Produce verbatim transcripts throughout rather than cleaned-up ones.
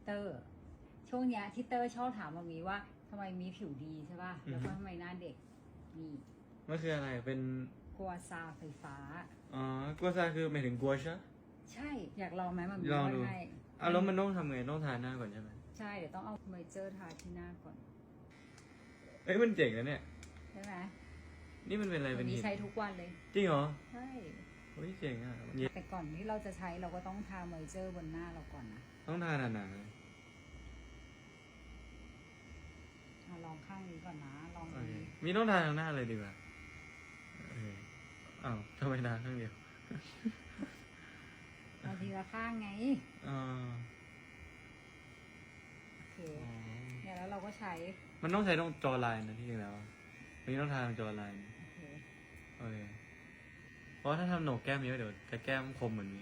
เตอร์ช่วงเนี้ยที่เตอร์ชอบถามมามีว่าทำไมมีผิวดีใช่ป่ะแล้วก็ทำไมหน้าเด็กนี่มันคืออะไรเป็นกัวซาไฟฟ้าอ๋อกัวซาคือหมายถึงกัวใช่ใช่อยากลองไหมมันมีลองว่าดูให้อ่ะแล้วมันต้องทำไงต้องทาหน้าก่อนใช่ไหมใช่เดี๋ยวต้องเอาเมเจอร์ทาที่หน้าก่อนเอ้ยมันเจ๋งนะเนี่ยใช่ไหมนี่มันเป็นอะไรวัเป็น นนี้หินใช้ทุกวันเลยจริงเหรอใช่เฮ้ยเจ๋งอ่ะแต่ก่อนที่เราจะใช้เราก็ต้องทาเมเจอร์บนหน้าเราก่อนนะต้องทาหนาๆเลยเอาลองข้างนี้ก่อนนะลองโออันเคนี้มีต้องทาทางหน้าเลยดีกว่าโอเคอ้าวทำไมทาข้างเดียวเอาทีละข้างไงอ่าโอเคอ๋อเนี่ยแล้วเราก็ใช้มันต้องใช้ตรงจอไลน์นะที่จริงแล้วอันนี้ต้องทาตรงจอไลน์โอเคโอเคเพราะว่าถ้าทำโหนกแก้มเยอะเดี๋ยวจะแก้มคมเหมือนนี้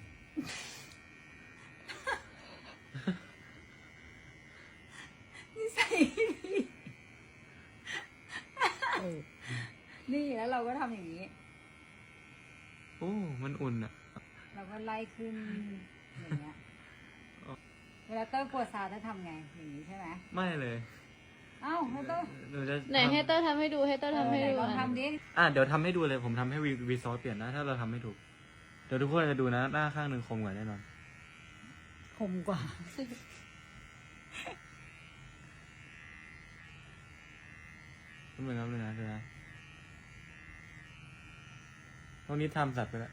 นี่ใส่นี่แล้วเราก็ทำอย่างนี้โอ้มันอุ่นอ่ะเราก็ไล่ขึ้นอย่างเงี้ยเวลาเต้ยกลัวซาจะทำไงอย่างนี้ใช่ไหมไม่เลยเอ้าแล้วเต้ยหนูจะไหนให้เตอร์ทำให้ดูให้เตอร์ทำให้ไหนดูลองอ่ะทำดิอ่ะเดี๋ยวทำให้ดูเลยผมทำให้วีวีซอสเปลี่ยนนะถ้าเราทำไม่ถูก เดี๋ยวทุกคนจะดูนะหน้าข้างหนึ่งคมกว่าแน่นอนคมกว่าก็เหมือนกันเลยนะเดี๋ยวนะตรงนี้ทำสัตว์ไปแล้ว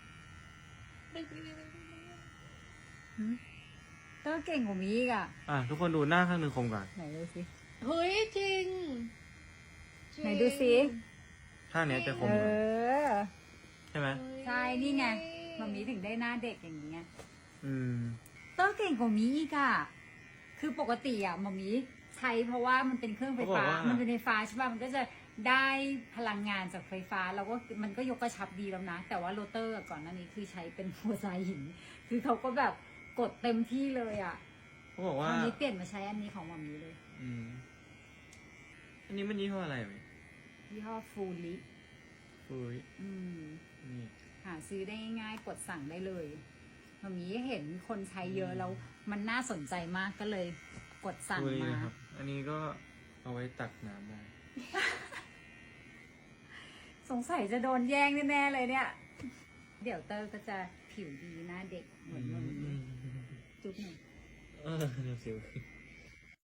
เต้ยเก่งกว่ามีอีกอ่ะอ่ะทุกคนดูหน้าข้างหนึ่งคมกว่าไหนดูสิเฮ้ยจริงจริงไหนดูสิข้างเนี้ยจะคเอมกว่าอใช่ไหมใช่นี่ไงมามีถึงได้หน้าเด็กอย่างนี้ไงอืมเต้ยเก่งกว่ามีอีกอ่ะคือปกติอ่ะมามีใช้เพราะว่ามันเป็นเครื่องไฟฟ้า มันเป็นไฟฟ้าใช่ป่ะมันก็จะได้พลังงานจากไฟฟ้าแล้วก็มันก็ยกกระชับดีแล้วนะ แต่ว่าโรเตอร์ก่อนหน้านี้คือใช้เป็นหัวใจหิน คือเขาก็แบบกดเต็มที่เลยอ่ะเขาบอกตว่าอนนี้เปลี่ยนมาใช้อันนี้ของมามีเลยอืมอันนี้มันยี่ห้ออะไรไหมยี่ห้อฟูลิอุ้ยอืมนี่หาซื้อได้ง่ายๆกดสั่งได้เลยมามีเห็นคนใช้เยอะแล้วมันน่าสนใจมากก็เลยกดสั่งอุ้ยมานะครับ อันนี้ก็เอาไว้ตักน้ำได้สงสัยจะโดนแย่งแน่ๆเลยเนี่ย เดี๋ยวเตอร์ก็จะผิวดีหน้าเด็กเหมือนมันอืมจุ๊บหนึ่งเออเดี๋ยวสิว